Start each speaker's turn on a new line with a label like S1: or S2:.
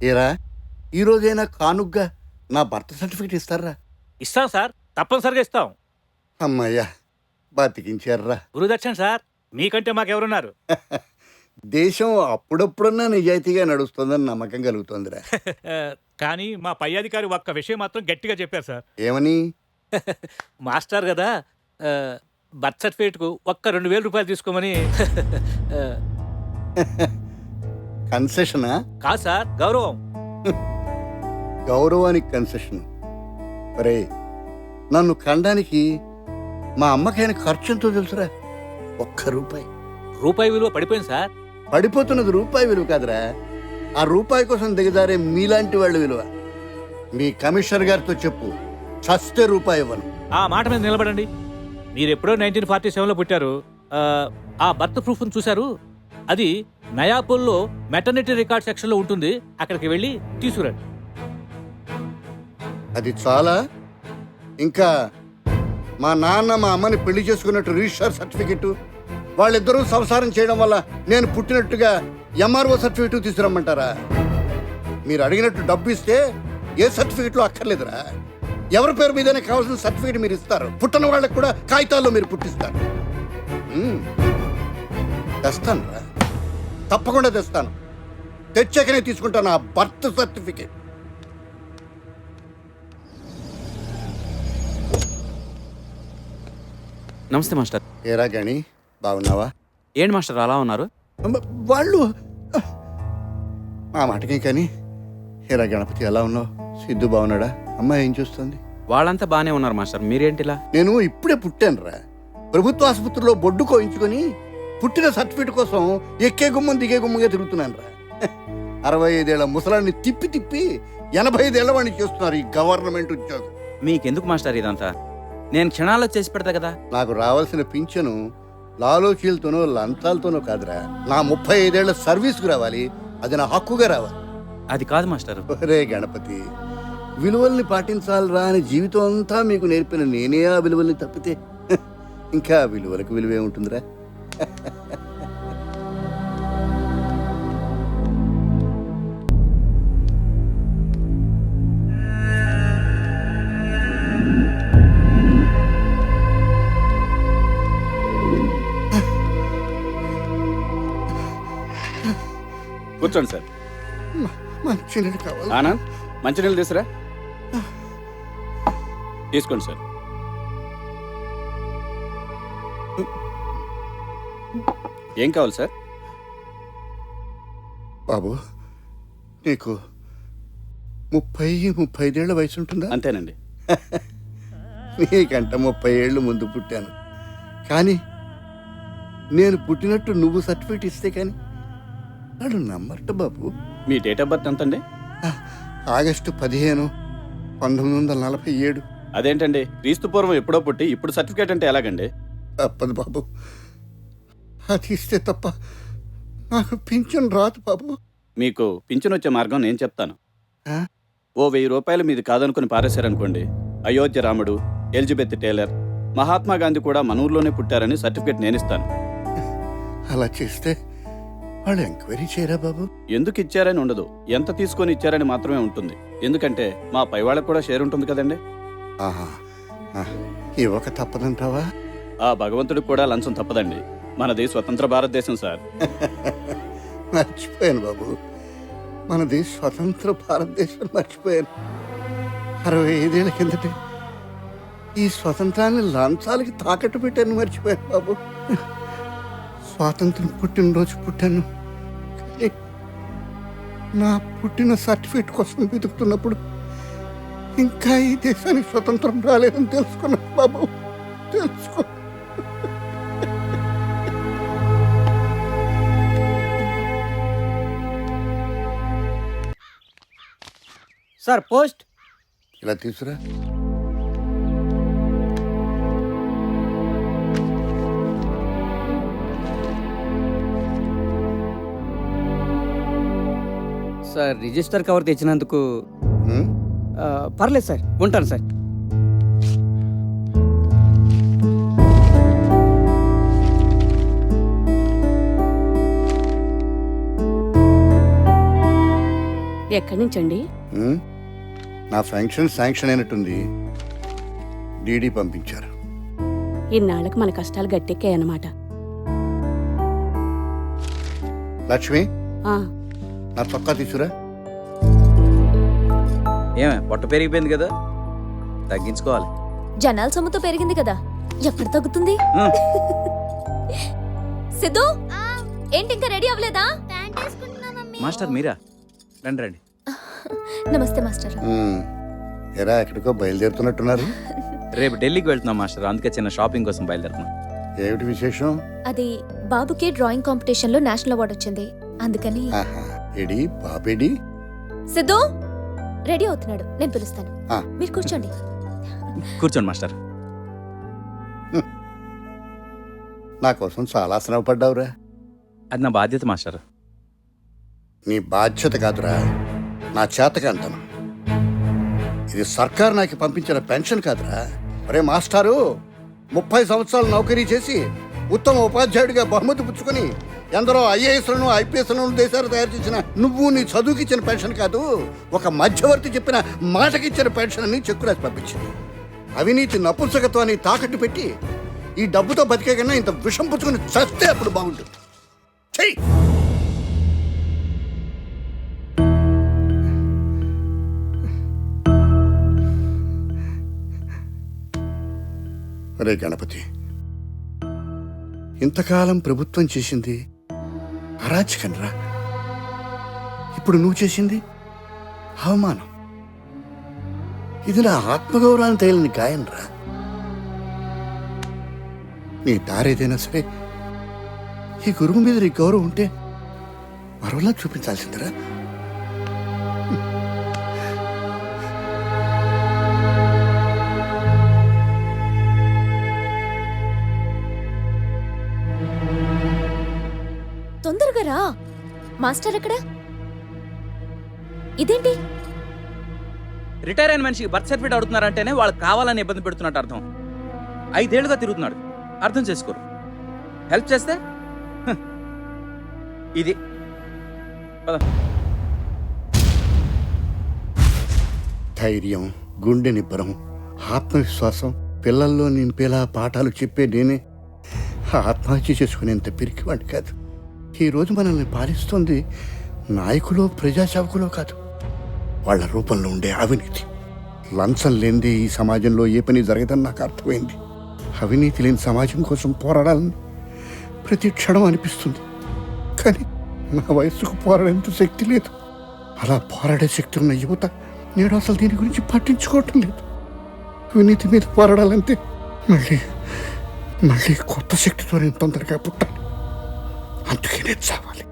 S1: ఏరా ఈరోజైనా కానుగ్గా నా birth certificate ఇస్తారా?
S2: ఇస్తాం సార్, తప్పనిసరిగా ఇస్తాం.
S1: అమ్మయ్యా, బతికించారా.
S2: గురుదక్షిణ సార్, మీకంటే మాకెవరున్నారు?
S1: దేశం అప్పుడప్పుడన్నా నిజాయితీగా నడుస్తుందని నమ్మకం కలుగుతుందిరా.
S2: కానీ మా పై అధికారి ఒక్క విషయం మాత్రం గట్టిగా చెప్పారు సార్.
S1: ఏమని?
S2: మాస్టర్ కదా, బర్త్ సర్టిఫికేట్కు ఒక్క 2000 రూపాయలు తీసుకోమని.
S1: కన్సెషనా?
S2: కాదు సార్, గౌరవం.
S1: గౌరవానికి కన్సెషన్? ఒరే, నన్ను కండానికి మా అమ్మకైన ఖర్చు ఎంతో తెలుసురా? 1 రూపాయి.
S2: రూపాయి విలువ పడిపోయింది సార్.
S1: పడిపోతున్నది రూపాయి విలువ కాదురా, ఆ రూపాయి కోసం దిగజారే మీలాంటి వాళ్ళ విలువ. మీ కమిషనర్ గారితో చెప్పు, చస్తే రూపాయి ఇవ్వను.
S2: ఆ మాట మీద నిలబడండి. మీరు ఎప్పుడో 1947లో పుట్టారు. ఆ బర్త్ ప్రూఫ్ చూశారు, అది నయాపూల్లో మెటర్నిటీ రికార్డ్ సెక్షన్లో ఉంటుంది. అక్కడికి వెళ్ళి తీసుకురండి.
S1: అది చాలా? ఇంకా మా నాన్న మా అమ్మని పెళ్లి చేసుకున్నట్టు రిజిస్టర్ సర్టిఫికెట్, వాళ్ళిద్దరూ సంసారం చేయడం వల్ల నేను పుట్టినట్టుగా ఎంఆర్ఓ సర్టిఫికెట్ తీసుకురమ్మంటారా? మీరు అడిగినట్టు డబ్బు ఇస్తే ఏ సర్టిఫికెట్లో అక్కర్లేదురా. ఎవరి పేరు మీదనే కావాల్సిన సర్టిఫికెట్ మీరు ఇస్తారు. పుట్టిన వాళ్ళకి కూడా కాగితాల్లో మీరు పుట్టిస్తారు. తెస్తాను రా, తప్పకుండా తెస్తాను. తెచ్చాకనే తీసుకుంటాను ఆ బర్త్ సర్టిఫికెట్.
S3: నమస్తే మాస్టర్.
S1: ఏరా గణి, బాగున్నావా?
S3: ఏంటి మాస్టర్ అలా ఉన్నారు?
S1: వాళ్ళు మా మాటకే కానీ. ఏరా గణపతి, ఎలా ఉన్నావు? సిద్ధు బాగున్నాడా? అమ్మాయి ఏం చూస్తుంది?
S3: వాళ్ళంతా బాగానే ఉన్నారు మాస్టర్, మీరేంటిలా?
S1: నేను ఇప్పుడే పుట్టాను రా. ప్రభుత్వ ఆసుపత్రిలో బొడ్డు కోయించుకొని పుట్టిన సర్టిఫికెట్ కోసం ఎక్కే గుమ్మం దిగే గుమ్మంగా తిరుగుతున్నాను రా. 65 ఏళ్ల ముసలాన్ని తిప్పి తిప్పి 85 ఏళ్ల వాడిని చేస్తున్నారు ఈ గవర్నమెంట్ ఉద్యోగం.
S3: మీకెందుకు మాస్టర్ ఇదంతా? నేను క్షణాల్లో చేసి పెడతా కదా.
S1: నాకు రావాల్సిన పింఛను లాలోచీలతోనో లంచాలతోనో కాదురా, నా 35 ఏళ్ల సర్వీస్కు రావాలి. అది నా హక్కుగా రావాలి.
S3: అది కాదు మాస్టర్.
S1: రే గణపతి, విలువల్ని పాటించాలిరా అని జీవితం అంతా మీకు నేర్పిన నేనే ఆ విలువల్ని తప్పితే ఇంకా విలువలకు విలువే ఉంటుందిరా.
S4: కూర్చోండి సార్.
S1: మంచినీళ్ళు కావాలి.
S4: ఆనంద్, మంచినీళ్ళు తీసురా. తీసుకోండి సార్. ఏం కావాలి సార్?
S1: బాబు, నీకు 35 ఏళ్ల వయసు ఉంటుందా?
S4: అంతేనండి.
S1: నీకంట 30 ఏళ్ళు ముందు పుట్టాను. కానీ నేను పుట్టినట్టు నువ్వు సర్టిఫికేట్ ఇస్తే కానీ నాడు నమ్మట బాబు.
S4: మీ డేట్ ఆఫ్ బర్త్ ఎంతండి?
S1: ఆగస్టు 15, 1947.
S4: అదేంటండి, క్రీస్తు పూర్వం ఎప్పుడో పుట్టి ఇప్పుడు సర్టిఫికేట్ అంటే ఎలాగండి?
S1: తప్పదు బాబు, అది ఇస్తే తప్ప నాకు పింఛన్ రాదు బాబు.
S4: మీకు పింఛన్ వచ్చే మార్గం నేను చెప్తాను.
S1: ఆ?
S4: ఓ 1000 రూపాయలు మీది కాదనుకుని పారేశారనుకోండి, అయోధ్య రాముడు, ఎలిజబెత్ టేలర్, మహాత్మా గాంధీ కూడా మన ఊర్లోనే పుట్టారని సర్టిఫికేట్ నేను ఇస్తాను.
S1: అలా చేస్తే వాళ్ళు ఎంక్వైరీ చేయరా బాబు?
S4: ఎందుకు ఇచ్చారని ఉండదు, ఎంత తీసుకొని ఇచ్చారని మాత్రమే ఉంటుంది. ఎందుకంటే మా పై వాళ్ళకు కూడా షేర్ ఉంటుంది కదండి.
S1: ఆహా, ఇవ్వక తప్పదంటావా?
S4: ఆ భగవంతుడికి కూడా లంచం తప్పదండి. మనది స్వతంత్ర భారతదేశం సార్.
S1: మర్చిపోయాను బాబు, మనది స్వతంత్ర భారతదేశం మర్చిపోయాను. 65 ఏళ్ల కిందటే ఈ స్వతంత్రాన్ని లంచాలకి తాకట్టు పెట్టాను, మర్చిపోయాను బాబు. స్వాతంత్రం పుట్టినరోజు పుట్టాను, కానీ నా పుట్టిన సర్టిఫికేట్ కోసం వెతుకుతున్నప్పుడు ఇంకా ఈ దేశానికి స్వతంత్రం రాలేదని తెలుసుకున్నాను బాబు, తెలుసుకో.
S5: Sir post.
S1: ఇలా తీసురా.
S5: సార్ రిజిస్టర్ కవర్ తెచ్చినందుకు పర్లేదు సార్, ఉంటాను సార్.
S6: ఎక్కడి నుంచండి?
S1: ఉమ్, నా ఫంక్షన్ శాంక్షన్ అయినట్టుంది. డీడీ పంపించారు.
S6: ఇన్నాళ్ళకి మన కష్టాలు గట్టెక్కాయన్నమాట.
S1: లక్ష్మి,
S6: ఆ,
S1: నా చొక్కా తీసురా.
S3: ఏమే పొట్ట పెరిగిపోయింది కదా, తగ్గించుకోవాలి.
S7: జనాల సొమ్ముతో పెరిగింది కదా, ఎప్పుడు తగ్గుతుంది? సిద్ధు, ఏంటి ఇంకా రెడీ అవ్వలేదా?
S3: మాస్టర్ మీరా? రండి రండి.
S7: నమస్తే మాస్టర్.
S1: ఉమ్, ఎరా ఎక్కడికో బయలుదేరుతున్నట్టున్నారు.
S3: రేపు ఢిల్లీకి వెళ్తున్నాం మాస్టర్, అందుకే చిన్న షాపింగ్ కోసం బయలుదేరుతున్నాం.
S1: ఏమిటి విశేషం?
S7: అది బాబుకి డ్రాయింగ్ కాంపిటీషన్ లో నేషనల్ అవార్డు వచ్చింది, అందుకని.
S1: ఆహా, ఎడి బాబేడి?
S7: సిద్ధు రెడీ అవుతున్నాడు, నేను పిలుస్తాను.
S1: ఆ.
S7: మీరు కూర్చోండి.
S3: కూర్చోండి మాస్టర్.
S1: నా కోసం చాలా శ్రమ పడ్డావురా.
S3: అది నా బాధ్యత మాస్టర్.
S1: నీ బాధ్యత కాదురా, నా చేతకంతను. ఇది సర్కార్ నాకు పంపించిన పెన్షన్ కాదురా. ఒరే మాస్టారు, 30 సంవత్సరాలు నౌకరీ చేసి ఉత్తమ ఉపాధ్యాయుడిగా బహుమతి పుచ్చుకొని ఎందరో ఐఏఎస్లను ఐపీఎస్లను దేశాలు తయారు చేసిన నువ్వు నీ చదువుకిచ్చిన పెన్షన్ కాదు, ఒక మధ్యవర్తి చెప్పిన మాటకిచ్చిన పెన్షన్ అని చెక్కు రాసి పంపించింది. అవినీతి నపుంసకత్వాన్ని తాకట్టు పెట్టి ఈ డబ్బుతో బతికే కన్నా ఇంత విషం పుచ్చుకొని చస్తే అప్పుడు బాగుంటుంది. చెయ్యి. అరే గణపతి, ఇంతకాలం ప్రభుత్వం చేసింది అరాచకంరా, ఇప్పుడు నువ్వు చేసింది అవమానం. ఇది నా ఆత్మగౌరవాన్ని తగిలిన గాయంరా. నీ దారేదైనా సరే ఈ గురువు మీద నీ గౌరవం ఉంటే మరోలా చూపించాల్సిందిరా.
S7: తొందరగా రా. మాస్టర్ ఎక్కడ? ఇదేంటి?
S3: రిటైర్ అయిన మనిషికి బర్త్ సర్టిఫికేట్ అడుగుతున్నారంటేనే వాళ్ళకి కావాలని ఇబ్బంది పెడుతున్నట్టు అర్థం. 5 ఏళ్లుగా తిరుగుతున్నాడు, అర్థం చేసుకోరు. హెల్ప్ చేస్తే హ, ఇది పద.
S1: ధైర్యం, గుండె నిబ్బరం, ఆత్మవిశ్వాసం పిల్లల్లో నింపేలా పాఠాలు చెప్పే నేనే ఆత్మహత్య చేసుకునేంత పిరికివాడిని కాదు. ఈరోజు మనల్ని పాలిస్తుంది నాయకులో ప్రజాసేవకులో కాదు, వాళ్ళ రూపంలో ఉండే అవినీతి. లంచం లేనిదే ఈ సమాజంలో ఏ పని జరగదని నాకు అర్థమైంది. అవినీతి లేని సమాజం కోసం పోరాడాలని ప్రతి క్షణం అనిపిస్తుంది, కానీ నా వయస్సుకు పోరాడేంత శక్తి లేదు. అలా పోరాడే శక్తి ఉన్న యువత నేడు అసలు దీని గురించి పట్టించుకోవటం లేదు. అవినీతి మీద పోరాడాలంటే మళ్ళీ మళ్ళీ కొత్త శక్తితో నేను తొందరగా పుట్టాలి. అందుకే నేను చావాలి.